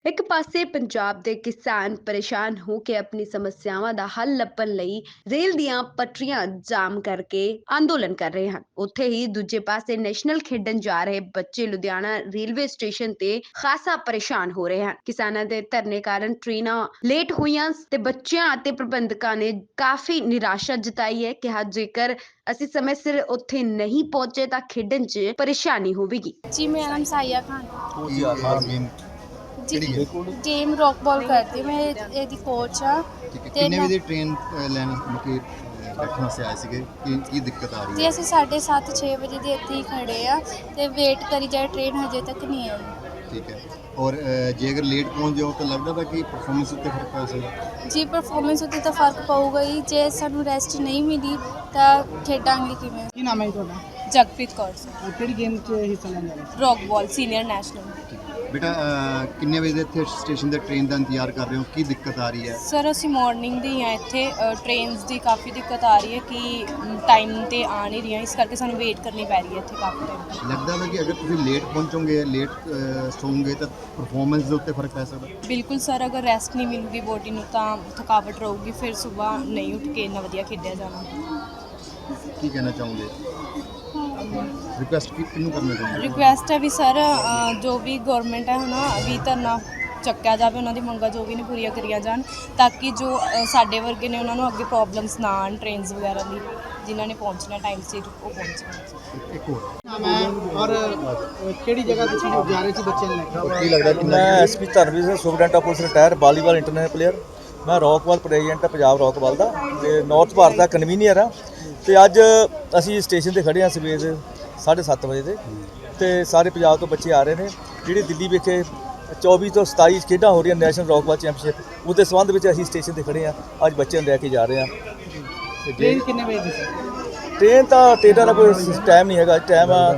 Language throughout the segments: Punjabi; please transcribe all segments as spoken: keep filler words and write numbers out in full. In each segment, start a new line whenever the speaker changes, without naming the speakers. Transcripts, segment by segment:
ਇੱਕ ਪਾਸੇ ਪੰਜਾਬ ਦੇ ਕਿਸਾਨ ਪਰੇਸ਼ਾਨ ਹੋ ਕੇ ਆਪਣੀ ਸਮੱਸਿਆਵਾਂ ਦਾ ਹੱਲ ਲੱਭਣ ਲਈ ਰੇਲ ਦੀਆਂ ਪਟਰੀਆਂ ਜਾਮ ਕਰਕੇ ਅੰਦੋਲਨ ਕਰ ਰਹੇ ਹਨ। ਉੱਥੇ ਹੀ ਦੂਜੇ ਪਾਸੇ ਨੈਸ਼ਨਲ ਖੇਡਣ ਜਾ ਰਹੇ ਬੱਚੇ ਲੁਧਿਆਣਾ ਰੇਲਵੇ ਸਟੇਸ਼ਨ ਤੇ ਖਾਸਾ ਪਰੇਸ਼ਾਨ ਹੋ ਰਹੇ ਹਨ। ਕਿਸਾਨਾਂ ਦੇ ਧਰਨੇ ਕਾਰਨ ਟ੍ਰੇਨਾਂ ਲੇਟ ਹੋਈਆਂ ਤੇ ਬੱਚਿਆਂ ਅਤੇ ਪ੍ਰਬੰਧਕਾਂ ਨੇ ਕਾਫੀ ਨਿਰਾਸ਼ਾ ਜਤਾਈ ਹੈ। ਕਿਹਾ ਜੇਕਰ ਅਸੀਂ ਸਮੇਂ ਸਿਰ ਉੱਥੇ ਨਹੀਂ ਪਹੁੰਚੇ ਤਾਂ ਖੇਡਣ 'ਚ ਪਰੇਸ਼ਾਨੀ ਹੋਵੇਗੀ।
जी मेरा नाम साहिया खान
ਕੀ ਆ ਗੇਮ
जी
ਕਿਹੜੀ ਹੈ?
गेम रॉक बॉल करती हूँ मैं ਇਹਦੀ ਕੋਚ ਆ
ਠੀਕ ਹੈ,
ਤੇ
ਕਿੰਨੇ
ਮੈਂ-
ਵਜੇ ਟ੍ਰੇਨ ਲੈਣ ਮੁਕੇ ਬੈਠਣ ਵਾਸਤੇ ਆਏ ਸੀਗੇ? ਕੀ ਕੀ ਦਿੱਕਤ ਆ ਰਹੀ
ਜੀ
ਹੈ?
ਅਸੀਂ ਸਾਢੇ ਸੱਤ ਛੇ ਵਜੇ ਦੇ ਇੱਥੇ ਹੀ ਖੜੇ ਆ ਤੇ ਵੇਟ ਕਰੀ ਜਾਏ, ਟ੍ਰੇਨ ਹਜੇ ਤੱਕ ਨਹੀਂ ਆਈ।
ਠੀਕ ਹੈ, ਔਰ ਅ, ਜੇ ਅਗਰ ਲੇਟ ਪਹੁੰਚ ਜਾਓ ਤਾਂ ਲੱਗਦਾ ਤਾਂ ਕਿ ਪਰਫਾਰਮੈਂਸ ਉੱਤੇ ਫਰਕ ਪੈ ਸਕਦਾ।
ਜੀ ਪਰਫਾਰਮੈਂਸ ਉੱਤੇ ਤਾਂ ਫਰਕ ਪਊਗਾ ਹੀ, ਜੇ ਸਾਨੂੰ ਰੈਸਟ ਨਹੀਂ ਮਿਲੀ ਤਾਂ ਖੇਡਾਂਗੇ ਕਿਵੇਂ।
ਕੀ ਨਾਮ ਹੈ ਜੀ ਤੁਹਾਡਾ?
ਜਗਪ੍ਰੀਤ ਕੌਰ
ਅਹ ਕਿਹੜੀ ਗੇਮ 'ਚ ਹਿੱਸਾ ਲੈਣ ਜਾ ਰਹੇ ਸੀ?
Rock ball senior national.
ਬੇਟਾ ਅ, ਕਿੰਨੇ ਵਜੇ ਦੇ ਇੱਥੇ ਸਟੇਸ਼ਨ ਦੇ ਟ੍ਰੇਨ ਦਾ ਇੰਤਜ਼ਾਰ ਕਰ ਰਹੇ ਹੋ? ਕੀ ਦਿੱਕਤ ਆ ਰਹੀ ਹੈ?
ਸਰ ਅਸੀਂ ਮਾਰਨਿੰਗ ਦੀ ਹਾਂ ਇੱਥੇ, ਟ੍ਰੇਨਸ ਦੀ ਕਾਫੀ ਦਿੱਕਤ ਆ ਰਹੀ ਹੈ ਕਿ ਟਾਈਮ ਤੇ ਆ ਨਹੀਂ ਰਹੀਆਂ, ਇਸ ਕਰਕੇ ਸਾਨੂੰ ਵੇਟ ਕਰਨੀ ਪੈ ਰਹੀ ਹੈ ਇੱਥੇ ਕਾਫੀ ਟਾਈਮ।
ਲੱਗਦਾ ਹੈ ਕਿ ਅਗਰ ਤੁਸੀਂ ਲੇਟ ਪਹੁੰਚੋਗੇ, ਲੇਟ ਸੌਂਗੇ ਤਾਂ ਪਰਫਾਰਮੈਂਸ ਦੇ ਉੱਤੇ ਫਰਕ ਪੈ ਸਕਦਾ।
ਬਿਲਕੁਲ ਸਰ, ਅਗਰ ਰੈਸਟ ਨਹੀਂ ਮਿਲੂਗੀ ਬੋਡੀ ਨੂੰ ਤਾਂ ਥਕਾਵਟ ਰਹੂਗੀ, ਫਿਰ ਸਵੇਰ ਨਹੀਂ ਉੱਠ ਕੇ ਇੰਨਾ ਵਧੀਆ ਖੇਡਿਆ ਜਾਣਾ।
ਕੀ ਕਹਿਣਾ ਚਾਹੋਗੇ? ਰਿਕੁਐਸਟ ਕਿਹਨੂੰ ਕਰਨਾ ਚਾਹੁੰਦੇ?
ਰਿਕੁਐਸਟ ਹੈ ਵੀ ਸਰ ਜੋ ਵੀ ਗਵਰਨਮੈਂਟ ਹੈ ਹਨਾ ਵੀ ਧਰਨਾ ਚੱਕਿਆ ਜਾਵੇ, ਉਹਨਾਂ ਦੀ ਮੰਗਾਂ ਜੋ ਵੀ ਨੇ ਪੂਰੀਆਂ ਕਰੀਆਂ ਜਾਣ ਤਾਂ ਕਿ ਜੋ ਅ, ਸਾਡੇ ਵਰਗੇ ਨੇ ਉਹਨਾਂ ਨੂੰ ਅੱਗੇ ਪ੍ਰੋਬਲਮਸ ਨਾ ਆਉਣ ਟ੍ਰੇਨਸ ਵਗੈਰਾ ਦੀ, ਜਿਨ੍ਹਾਂ ਨੇ ਪਹੁੰਚਣਾ ਟਾਈਮ ਸਿਰ ਉਹ ਪਹੁੰਚਣ।
ਇੱਕ ਹੋਰ
ਨਾਮ ਹੈ ਔਰ ਅਹ ਕਿਹੜੀ ਜਗ੍ਹਾ ਤੁਸੀਂ ਜਾ ਰਹੇ ਸੀ ਬੱਚੇ ਨੂੰ ਲੈ ਕੇ?
ਕੀ ਲੱਗਦਾ ਕਿ
मैं S P Dharamvir Singh superintendent of police retire volleyball international player. ਮੈਂ ਰੌਕਵਾਲ ਪ੍ਰੈਜ਼ੀਡੈਂਟ ਪੰਜਾਬ ਰੌਕਵਾਲ ਦਾ ਤੇ ਨਾਰਥ ਭਾਰਤ ਦਾ ਕਨਵੀਨੀਅਰ ਆ। ਤੇ ਅੱਜ ਅਸੀਂ ਸਟੇਸ਼ਨ ਤੇ ਖੜੇ ਹਾਂ ਸਵੇਰ ਦੇ ਸਾਢੇ ਸੱਤ ਵਜੇ ਦੇ, ਤੇ ਸਾਰੇ ਪੰਜਾਬ ਤੋਂ ਬੱਚੇ ਆ ਰਹੇ ਨੇ ਜਿਹੜੇ ਦਿੱਲੀ ਵਿਖੇ ਚੌਵੀ ਤੋਂ ਸਤਾਈ ਖੇਡਾਂ ਹੋ ਰਹੀਆਂ ਨੈਸ਼ਨਲ ਰੌਕਵਾਲ ਚੈਂਪੀਅਨਸ਼ਿਪ, ਉਹਦੇ ਸੰਬੰਧ ਵਿੱਚ ਅਸੀਂ ਸਟੇਸ਼ਨ ਤੇ ਖੜੇ ਹਾਂ। ਅੱਜ ਬੱਚਿਆਂ ਨੂੰ ਲੈ ਕੇ ਜਾ ਰਹੇ ਹਾਂ। ਤੇ
ਟ੍ਰੇਨ ਕਿੰਨੇ ਵਜੇ ਦੀ ਸੀ?
ਟ੍ਰੇਨ ਤਾਂ ਟ੍ਰੇਨਾਂ ਦਾ ਕੋਈ ਟਾਈਮ ਨਹੀਂ ਹੈਗਾ। ਟਾਈਮ ਆ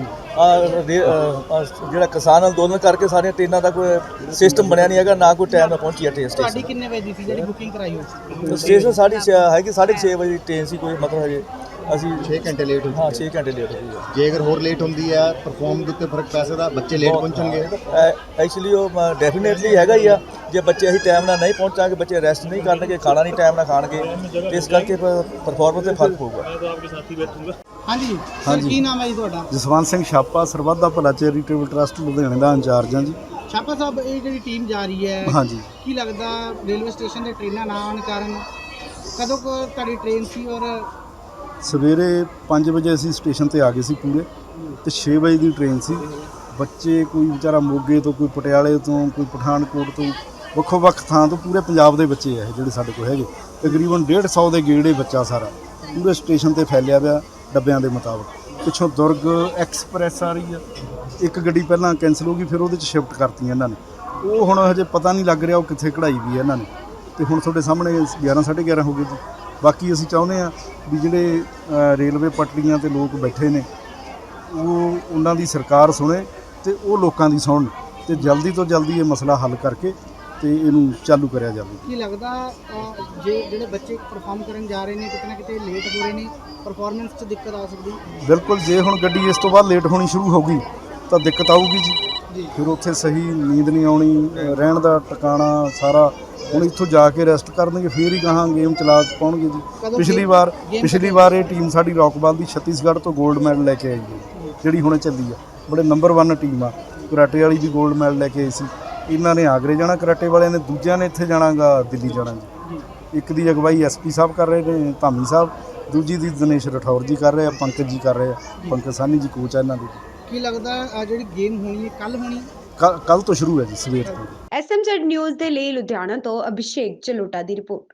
ਜਿਹੜਾ ਕਿਸਾਨ ਅੰਦੋਲਨ ਕਰਕੇ ਸਾਰੀਆਂ ਟ੍ਰੇਨਾਂ ਦਾ ਕੋਈ ਸਿਸਟਮ ਬਣਿਆ ਨਹੀਂ ਹੈਗਾ, ਨਾ ਕੋਈ ਟਾਈਮ ਨਾਲ ਪਹੁੰਚੀ ਹੈ ਟ੍ਰੇਨ
ਤੁਹਾਡੀ
ਸਟੇਸ਼ਨ।
ਕਿੰਨੇ ਵਜੇ ਦੀ ਸੀ ਜਿਹੜੀ ਬੁਕਿੰਗ ਕਰਾਈ ਹੋਈ ਸੀ?
ਸਟੇਸ਼ਨ ਸਾਢੇ ਛੇ ਹੈਗੀ, ਸਾਢੇ ਛੇ ਵਜੇ ਟ੍ਰੇਨ ਸੀ, ਕੋਈ ਮਤਲਬ ਹਜੇ ਅਸੀਂ
ਛੇ ਘੰਟੇ ਲੇਟ ਹੋ
ਹਾਂ
ਚੁੱਕੇ
ਛੇ ਘੰਟੇ ਲੇਟ ਹੋ ਗਏ।
ਜੇ ਅਗਰ ਹੋਰ ਲੇਟ ਹੁੰਦੀ ਹੈ ਪਰਫਾਰਮ ਦੇ ਉੱਤੇ ਫਰਕ ਪੈ ਸਕਦਾ, ਬੱਚੇ ਲੇਟ ਪਹੁੰਚਣਗੇ।
ਐਕਚੁਅਲੀ ਉਹ ਡੈਫੀਨੇਟਲੀ ਹੈਗਾ ਹੀ ਆ। ਜੇ ਬੱਚੇ ਅਸੀਂ ਟਾਈਮ ਨਾਲ ਨਹੀਂ ਪਹੁੰਚਾਂਗੇ, ਬੱਚੇ ਰੈਸਟ ਨਹੀਂ ਕਰਨਗੇ, ਖਾਣਾ ਨਹੀਂ ਟਾਈਮ ਨਾਲ ਖਾਣਗੇ, ਤੇ ਇਸ ਕਰਕੇ ਪਰਫਾਰਮੈਂਸ ਤੇ ਫਰਕ ਪਊਗਾ।
ਹਾਂਜੀ ਸਰ, ਕੀ ਨਾਮ ਹੈ ਜੀ ਤੁਹਾਡਾ?
ਜਸਵੰਤ ਸਿੰਘ ਛਾਪਾ, ਸਰਬੱਤ ਦਾ ਭਲਾ ਚੈਰੀਟੇਬਲ ਟਰਸਟ ਲੁਧਿਆਣੇ ਦਾ ਇੰਚਾਰਜ ਹਾਂ ਜੀ।
ਛਾਪਾ ਸਾਹਿਬ, ਇਹ ਜਿਹੜੀ ਟੀਮ ਜਾ ਰਹੀ ਹੈ,
ਹਾਂਜੀ,
ਕੀ ਲੱਗਦਾ ਰੇਲਵੇ ਸਟੇਸ਼ਨ ਤੇ ਟ੍ਰੇਨਾਂ ਨਾ ਆਉਣ ਕਾਰਨ ਕਦੋਂ ਕੁ ਤੁਹਾਡੀ ਟ੍ਰੇਨ ਸੀ? ਔਰ
ਸਵੇਰੇ ਪੰਜ ਵਜੇ ਅਸੀਂ ਸਟੇਸ਼ਨ ਤੇ ਆ ਗਏ ਸੀ ਪੂਰੇ, ਤੇ ਛੇ ਵਜੇ ਦੀ ਟ੍ਰੇਨ ਸੀ। ਬੱਚੇ ਕੋਈ ਵਿਚਾਰਾ ਮੋਗੇ ਤੋਂ, ਕੋਈ ਪਟਿਆਲੇ ਤੋਂ, ਕੋਈ ਪਠਾਨਕੋਟ ਤੋਂ, ਵੱਖੋ ਵੱਖ ਥਾਂ ਤੋਂ, ਪੂਰੇ ਪੰਜਾਬ ਦੇ ਬੱਚੇ ਆ ਇਹ ਜਿਹੜੇ ਸਾਡੇ ਕੋਲ ਹੈਗੇ। ਤਕਰੀਬਨ ਡੇਢ ਸੌ ਦੇ ਗੇੜੇ ਬੱਚਾ ਸਾਰਾ ਪੂਰੇ ਸਟੇਸ਼ਨ ਤੇ ਫੈਲਿਆ ਪਿਆ ਡੱਬਿਆਂ ਦੇ ਮੁਤਾਬਕ। ਪਿੱਛੋਂ ਦੁਰਗ ਐਕਸਪ੍ਰੈਸ ਆ ਰਹੀ ਆ, ਇੱਕ ਗੱਡੀ ਪਹਿਲਾਂ ਕੈਂਸਲ ਹੋ ਗਈ, ਫਿਰ ਉਹਦੇ 'ਚ ਸ਼ਿਫਟ ਕਰਤੀਆਂ ਇਹਨਾਂ ਨੇ। ਉਹ ਹੁਣ ਹਜੇ ਪਤਾ ਨਹੀਂ ਲੱਗ ਰਿਹਾ ਉਹ ਕਿੱਥੇ ਕਢਾਈ ਵੀ ਹੈ ਇਹਨਾਂ ਨੇ। ਤੇ ਹੁਣ ਤੁਹਾਡੇ ਸਾਹਮਣੇ ਗਿਆਰਾਂ ਸਾਢੇ ਗਿਆਰਾਂ ਹੋ ਗਏ ਜੀ। ਬਾਕੀ ਅਸੀਂ ਚਾਹੁੰਦੇ ਹਾਂ ਵੀ ਜਿਹੜੇ ਅ, ਰੇਲਵੇ ਪਟੜੀਆਂ ਤੇ ਲੋਕ ਬੈਠੇ ਨੇ ਉਹ ਉਹਨਾਂ ਦੀ ਸਰਕਾਰ ਸੁਣੇ ਤੇ ਉਹ ਲੋਕਾਂ ਦੀ ਸੁਣਨ, ਤੇ ਜਲਦੀ ਤੋਂ ਜਲਦੀ ਇਹ ਮਸਲਾ ਹੱਲ ਕਰਕੇ ਤੇ ਇਹਨੂੰ ਚਾਲੂ ਕਰਿਆ ਜਾਵੇ।
ਕੀ ਲੱਗਦਾ ਅਹ, ਜੇ ਜਿਹੜੇ ਬੱਚੇ ਪਰਫਾਰਮ ਕਰਨ ਜਾ ਰਹੇ ਨੇ ਕਿਤੇ ਨਾ ਕਿਤੇ ਲੇਟ ਹੋ ਰਹੇ ਨੇ, ਪਰਫਾਰਮੈਂਸ 'ਚ ਦਿੱਕਤ ਆ ਸਕਦੀ?
ਬਿਲਕੁਲ, ਜੇ ਹੁਣ ਗੱਡੀ ਇਸ ਤੋਂ ਬਾਅਦ ਲੇਟ ਹੋਣੀ ਸ਼ੁਰੂ ਹੋ ਗਈ ਤਾਂ ਦਿੱਕਤ ਆਊਗੀ ਜੀ। ਫਿਰ ਉੱਥੇ ਸਹੀ ਨੀਂਦ ਨਹੀਂ ਆਉਣੀ, ਰਹਿਣ ਦਾ ਟਿਕਾਣਾ ਸਾਰਾ। ਹੁਣ ਇੱਥੋਂ ਜਾ ਕੇ ਰੈਸਟ ਕਰਨਗੇ, ਫਿਰ ਹੀ ਕਹਾਂ ਗੇਮ ਚਲਾ ਪਾਉਣਗੇ ਜੀ। ਪਿਛਲੀ ਵਾਰ ਪਿਛਲੀ ਵਾਰ ਇਹ ਟੀਮ ਸਾਡੀ ਰੌਕਬਾਲ ਦੀ ਛੱਤੀਸਗੜ੍ਹ ਤੋਂ 골ਡ ਮੈਡਲ ਲੈ ਕੇ ਆਈ ਹੈ, ਜਿਹੜੀ ਹੁਣੇ ਚੱਲੀ ਆ। ਬੜੇ ਨੰਬਰ ਵਨ ਟੀਮ ਆ। ਕਰਾਟੇ ਵਾਲੀ ਵੀ 골ਡ ਮੈਡਲ ਲੈ ਕੇ ਆਈ ਸੀ। ਇਹਨਾਂ ਨੇ ਆਗਰੇ ਜਾਣਾ ਕਰਾਟੇ ਵਾਲਿਆਂ ਨੇ, ਦੂਜਿਆਂ ਨੇ ਇੱਥੇ ਜਾਣਾਗਾ ਦਿੱਲੀ ਜਾਣਾ ਜੀ। ਇੱਕ ਦੀ ਅਗਵਾਈ ਐਸ ਪੀ ਸਾਹਿਬ ਕਰ ਰਹੇ ਨੇ, ਧਾਮੀ ਸਾਹਿਬ, ਦੂਜੀ ਦੀ ਦਿਨੇਸ਼ ਰਠੌਰ ਜੀ ਕਰ ਰਹੇ ਆ, ਪੰਕਜ ਜੀ ਕਰ ਰਹੇ ਆ। ਪੰਕਜ ਸਾਨੀ ਜੀ ਕੋਚ ਆ ਇਹਨਾਂ ਦੇ।
ਕੀ ਲੱਗਦਾ ਆਹ ਜਿਹੜੀ ਗੇਮ ਹੋਣੀ ਹੈ ਕੱਲ ਹੋਣੀ?
ਕੱਲ ਤੋਂ ਸ਼ੁਰੂ ਹੈ ਜੀ, ਸਵੇਰ ਤੋਂ।
ਐਸ ਐਮ ਜ਼ੈਡ ਨਿਊਜ਼ ਦੇ ਲਈ ਲੁਧਿਆਣਾ ਤੋਂ ਅਭਿਸ਼ੇਕ ਚਲੋਟਾ ਦੀ ਰਿਪੋਰਟ।